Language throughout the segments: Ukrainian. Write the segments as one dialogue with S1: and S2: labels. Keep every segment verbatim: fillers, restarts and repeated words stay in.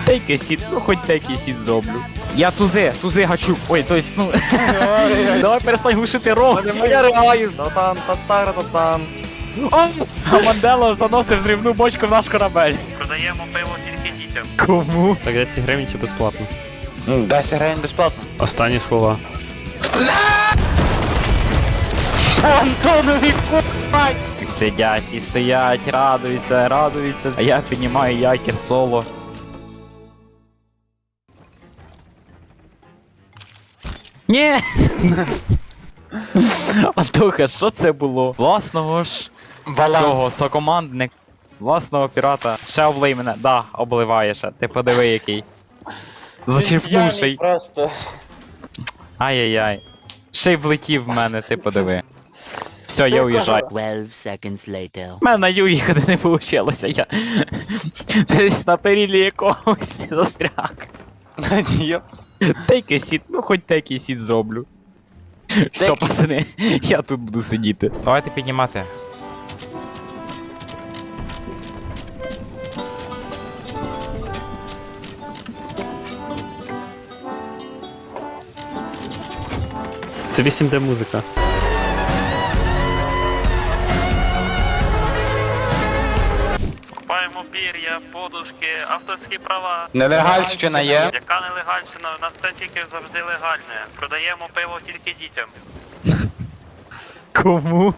S1: Тейки сіт, ну хоч тейки сіт зроблю. Я тузи, тузи гачу. Ой, то есть, ну. Давай перестань глушити рог.
S2: Я ригаю. Та-там, та-стара, та-там.
S1: А Мандело заносив зрівну бочку в наш корабель.
S3: Продаємо пиво тільки дітям.
S1: Кому?
S4: Так десять гривень чи безплатно?
S2: десять гривень безплатно.
S4: Останні слова.
S2: Антонові купать!
S1: Сидять і стоять, радуються, радуються. А я піднімаю якір соло. Ні! Антоха, що це було? Власного ж цього сокомандника, власного пірата. Ще облий мене. Да, обливає ще. Ти подиви який. Зачерпнувший.
S2: Просто.
S1: Ай-яй-яй. Ще й влетів в мене, ти подиви. Все, я уїжджаю.
S5: twelve seconds later.
S1: У мене на ю їхати не вийшло, я десь на перілі якогось застряг.
S2: Ні.
S1: Тейки сіт, ну хоч тейки сіт зроблю. Все, пацани, я тут буду сидіти. Давайте піднімати.
S4: Це вісім де музика.
S3: Скупаємо пір'я, подушки, авторські права.
S2: Нелегальщина є.
S3: Яка нелегальщина? У нас все тільки завжди легальне. Продаємо пиво тільки дітям.
S1: Кому?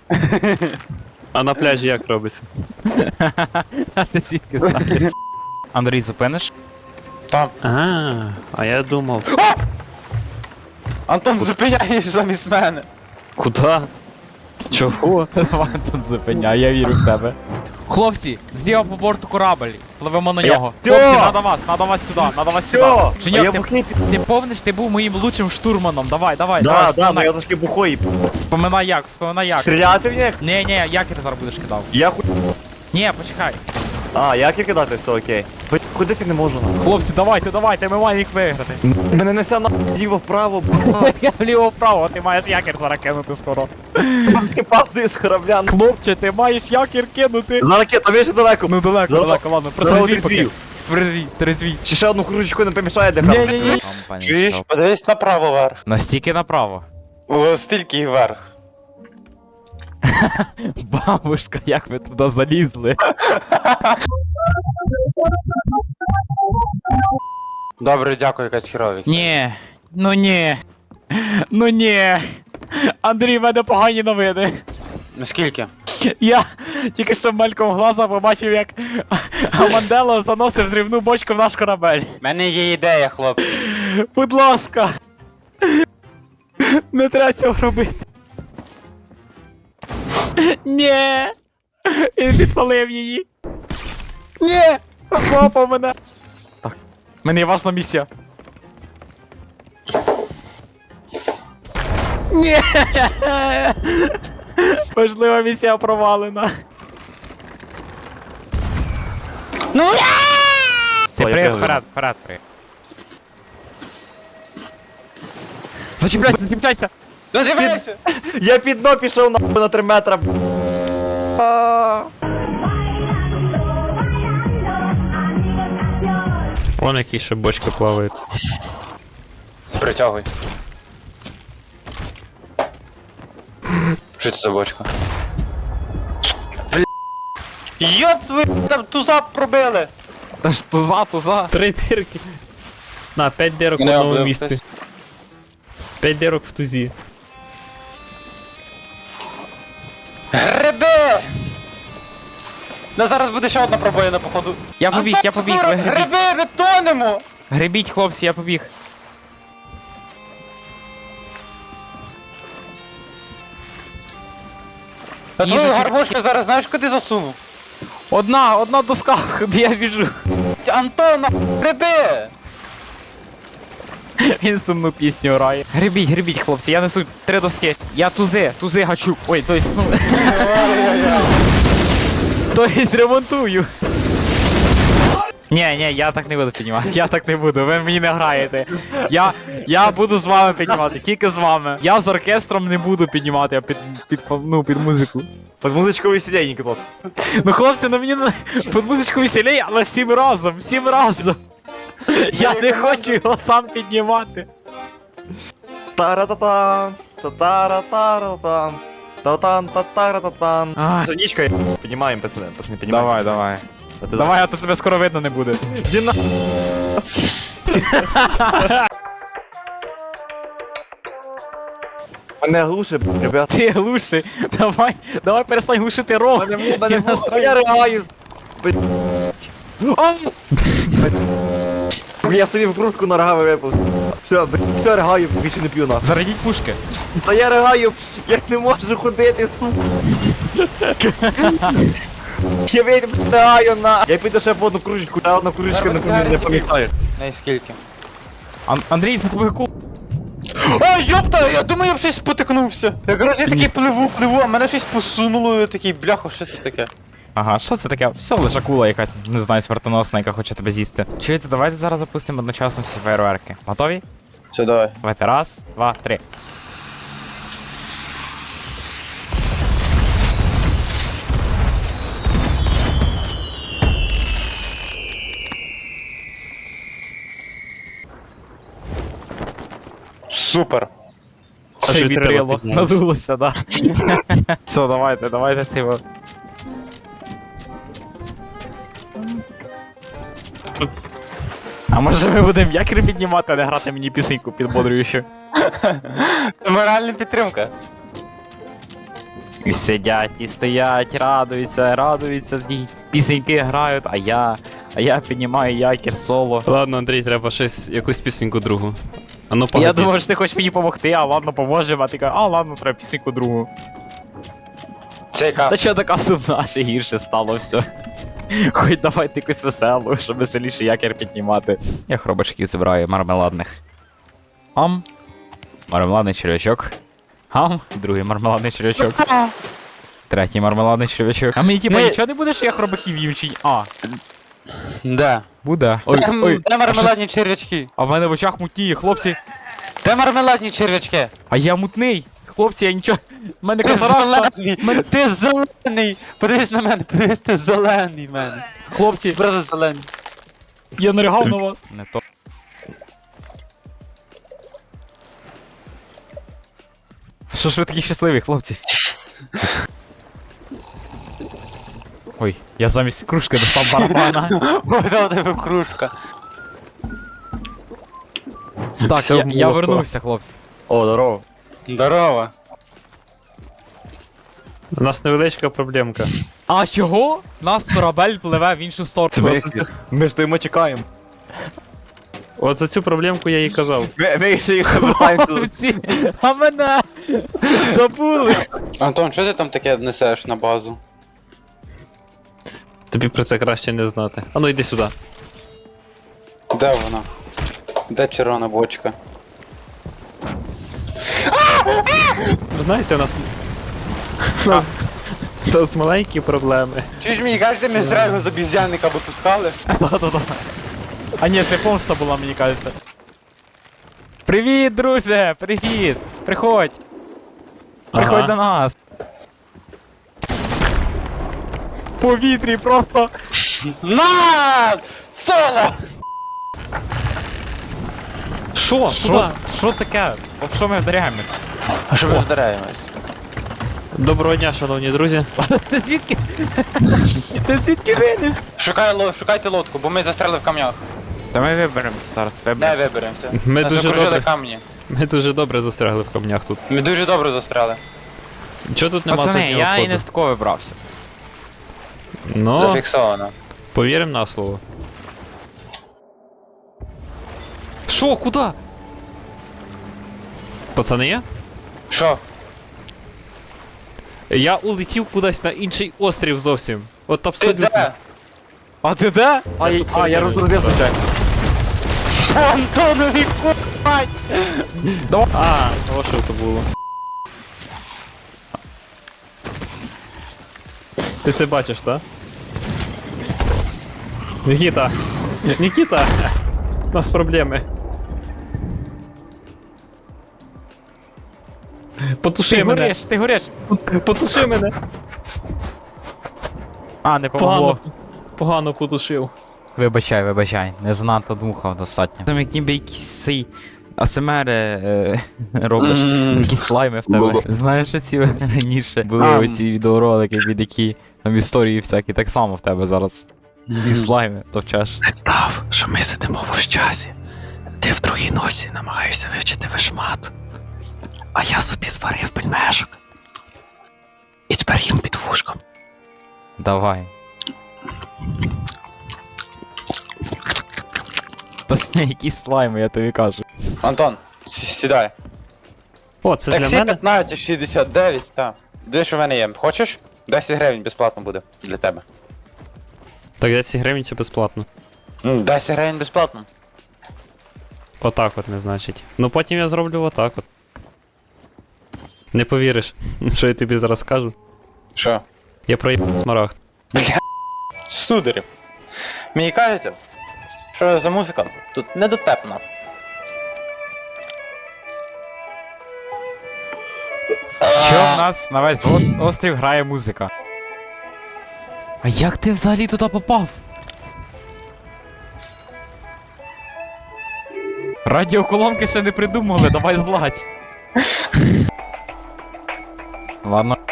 S4: А на пляжі як робиться?
S1: А ти звідки знаєш? Андрій, зупиниш?
S4: Ага, а я думав.
S2: Антон, зупиняєш замість мене.
S4: Куда? Чого?
S1: Давай тут зупиняй, я вірю в тебе. Хлопці, зліва по борту корабль. Пливемо на нього. Хлопці, надо вас, надо вас сюди, надо вас сюди. Женьок, ти, ти помниш, ти був моїм лучшим штурманом. Давай, давай,
S2: Да,
S1: давай,
S2: да, ну
S1: вспоминай.
S2: я трошки бухой.
S1: Вспоминай як, вспоминай як.
S2: Стріляти в них?
S1: Ні, ні, якір зараз будеш кидав.
S2: Я ху...
S1: Ні, почекай.
S2: А, як і кидати, все окей. Бо ходити не можу.
S1: Хлопці, давайте, давайте, ми маємо їх виграти.
S2: Мене несе на ліво-вправо,
S1: Я вліво-вправо, а ти маєш якір зараз кинути скоро.
S2: просто падаю з корабля.
S1: Хлопче, ти маєш якір кинути.
S2: За ракет, там є ще далеко.
S1: Ну далеко,
S2: Зараз-
S1: далеко, ладно,
S2: зараз
S1: протрезвій поки.
S2: відзвів.
S1: Трезвій, трезвій.
S2: Чи ще одну кружечку не помішає де
S1: Ні, ні, ні.
S6: Чуєш, подивись направо вверх.
S1: Настільки направо.
S6: О, стільки вверх.
S1: Бабушка, як ви туди залізли?
S6: Добре, дякую, якась херові.
S1: Ні, ну ні. Ну ні. Андрій, в мене погані новини.
S6: Наскільки?
S1: Я тільки що мельком глаза побачив, як Мандело заносив зрівну бочку в наш корабель.
S6: У мене є ідея, хлопці.
S1: Будь ласка. Не треба цього робити. Ні. Він підпалив її. Ні. Злопав мене. Так. В мене є важна місія. Ні. Важлива місія провалена.
S6: Ну я!
S1: Ти
S2: Ой,
S1: приїхав
S2: я
S1: вперед, вперед, приїхав. Зачіпляйся, зачіпляйся!
S6: Дозібайся!
S2: Я під дно пішов на, на три метра.
S4: Вон які ще бочки плавають.
S6: Притягуй. Що це за бочка? Бля. Йоп, ви там туза пробили!
S1: Та ж туза, туза.
S4: Три дирки. На, п'ять дирок в
S6: Мене
S4: одному
S6: облив
S4: місці.
S6: хтось.
S4: П'ять дирок в тузі.
S6: Гриби! Ну зараз буде ще одна пробоїна, походу.
S1: Я побіг, я побіг, ви гребіть.
S6: Гриби, ми тонемо!
S1: Гребіть, хлопці, я побіг.
S6: А твою
S1: Їжачок.
S6: гармошку зараз знаєш, куди засунув?
S1: Одна, одна доска, я біжу.
S6: Антона, гриби!
S1: Він сумну пісню грає. Гребіть, гребіть, хлопці, я несу три доски. Я тузи, тузи гачу. Ой, то есть, ну... То есть ремонтую. Ні, ні, я так не буду піднімати, я так не буду, ви мені не граєте. Я, я буду з вами піднімати, тільки з вами. Я з оркестром не буду піднімати, а під, під, ну, під музику.
S2: Під музичку веселенький клас.
S1: Ну хлопці, ну мені на- під музичку веселей, але всім разом, всім разом. Я не хочу його сам піднімати.
S2: Тара-та-тан, та-тара-тара-тан, та-тан, та-тара-та-тан.
S1: Ай.
S2: Сонічка, піднімаємо, пацани, пацани, піднімаємо.
S1: Давай, давай.
S2: А ти
S1: Давай, а то тебе скоро видно не буде.
S2: Діна. Мене глушить, ребят.
S1: Ти глуши. Давай, давай перестань глушити рог.
S2: Мене
S1: настрой.
S2: я ригаю. Я собі в кружку на рогами випав. Все, все, ригаю, більше не п'ю на.
S1: Зарядіть пушки.
S2: Та я ригаю, я не можу ходити, сука. Ще вийду, ригаю на. Я піду ще по одну кружечку, а одна кружечка не пам'ятаю, не пам'ятаю.
S6: Не скільки.
S1: Ан- Андрій, за тобою кул.
S6: Ой, йопта, я думаю, я в щось спотикнувся. Я, коротше, такий пливу, пливу, а мене щось посунуло, я такий, бляхо, що це таке?
S1: Ага, що це таке? Все, лише кула якась, не знаю, смертоносна, яка хоче тебе з'їсти. Чуєте, давайте зараз запустимо одночасно всі фейерверки. Готові?
S6: Все, давай.
S1: Давайте, раз, два, три.
S6: Супер.
S4: А
S1: Ще й
S4: що й треба
S1: вітрило,
S4: піднялося.
S1: надулося, да. Все, давайте, давайте цього. А може ми будемо якір піднімати, а не грати мені пісеньку підбодрюючу?
S6: Це моральна підтримка.
S1: І сидять, і стоять, радуються, радуються, ті пісеньки грають, а я, а я піднімаю якір соло.
S4: Ладно, Андрій, треба щось, якусь пісеньку другу. А ну погоди.
S1: Я думав, що ти хочеш мені допомогти, а ладно, поможемо, а ти кажеш, а ладно, треба пісеньку другу.
S6: Це яка?
S1: Та що така сумна, ще гірше стало все. Хоч давайте якусь веселу, щоб веселіше якір піднімати. Я хробачків забираю мармеладних. Ам. Мармеладний червячок. Ам. Другий мармеладний червячок. Третій мармеладний червячок. А мені типа
S6: Не-
S1: нічого не буде, що я хробаків їм чи ні? А,
S6: Де?
S1: буде. Ой,
S6: Де,
S1: ой.
S6: де
S1: А,
S6: мармеладні
S1: щось-
S6: червячки?
S1: а в мене в очах мутніє, хлопці.
S6: Де мармеладні червячки?
S1: А я мутний. Хлопці, я нічого. В мене
S6: Ти
S1: катаракта.
S6: зелений! Ти зелений! Подивись на мене, подивись, ти зелений в мене.
S1: Хлопці,
S6: Просто зелений.
S1: я наригав на вас. Не то. Що ж ви такі щасливі, хлопці? Ой, я замість кружки достав барабана.
S6: Ой, там у тебе кружка.
S1: Так,
S4: Все
S1: я,
S4: в
S1: я
S4: молоко.
S1: вернувся, хлопці.
S2: О, здорово.
S6: Здорово.
S4: У нас невеличка проблемка.
S1: А чого? Нас корабель пливе в іншу сторону.
S2: Ми ж стоїмо чекаємо.
S4: От за цю проблемку я їй казав.
S2: Ми, ми ще їх повертаємося.
S1: Хлопці, а мене забули.
S6: Антон, що ти там таке несеш на базу?
S4: Тобі про це краще не знати. А ну йди сюди.
S6: Де вона? Де червона бочка?
S4: Ви знаєте, у нас. У нас маленькі проблеми.
S6: Чи ж мені кажете, ми зря його з обіз'янника випускали?
S1: Да-да-да. А ні, це помста була, мені кажеться. Привіт, друже! Привіт! Приходь! Приходь
S4: Ага.
S1: до нас! В повітрі просто!
S6: На! Соло!
S4: Що?
S1: Що? Що таке? Об що ми вдаряємось?
S6: А що ми вдаряємось?
S4: Доброго дня, шановні друзі.
S1: Ти звідки? Ти звідки виліз?
S6: Шукай, ло- шукайте лодку, бо ми застряли в камнях.
S1: Та ми виберемося зараз,
S6: Не
S1: виберемося.
S6: виберемося.
S4: Ми
S6: Нас
S4: дуже
S6: окружили
S4: добре.
S6: камні.
S4: Ми дуже добре застрягли в камнях тут.
S6: Ми дуже добре застряли.
S4: Чого тут нема
S1: Пацани,
S4: заднього
S1: я і
S4: ходу?
S1: не з такого вибрався.
S4: Ну,
S6: Зафіксовано.
S4: повіримо на слово. Що, куди? Пацани є?
S6: Що?
S4: Я улетів кудись на інший острів зовсім. От
S6: Ти
S4: абсолютно.
S6: де?
S1: А ти де?
S2: А,
S4: Я
S2: я-
S4: тут
S2: а, я
S4: сидів.
S2: розгрузив звичайно.
S6: Антонові купать!
S4: А, о, що це було. Ти це бачиш, так? Нікіта! Нікіта! У нас проблеми. Потуши
S1: Ти
S4: мене!
S1: гориш, ти гориш.
S4: Потуши мене!
S1: А, не помогло.
S4: Погано, погано потушив.
S1: Вибачай, вибачай, не занадто дмухав достатньо. Там як ніби якісь цей АСМР е, робиш, якісь слайми в тебе. Знаєш, оці раніше були
S6: А.
S1: оці відеоролики, від які там історії всякі, так само в тебе зараз. Ці слайми товчеш.
S4: Представ, що ми сидимо в общазі. Ти в другій носі намагаєшся вивчити вишмат. А я собі зварив пельмешок. І тепер їм під вушком.
S1: Давай. Та це якісь слайми, я тобі кажу.
S6: Антон, с- сідай.
S4: О, це для
S6: Таксі
S4: мене?
S6: п'ятнадцять шістдесят дев'ять, так. Дивись, що в мене є. Хочеш? десять гривень безплатно буде для тебе.
S4: Так десять гривень чи безплатно?
S6: Ну, десять гривень безплатно.
S4: Отак от не значить. Ну потім я зроблю отак от. Не повіриш, що я тобі зараз скажу.
S6: Що?
S4: Я проїбав смарагд.
S6: Бля, студерів. Мені кажеться, що за музика тут недотепна.
S1: Що в нас на весь ос- острів грає музика? А як ти взагалі туди попав? Радіоколонки ще не придумали, давай злазь. Ладно.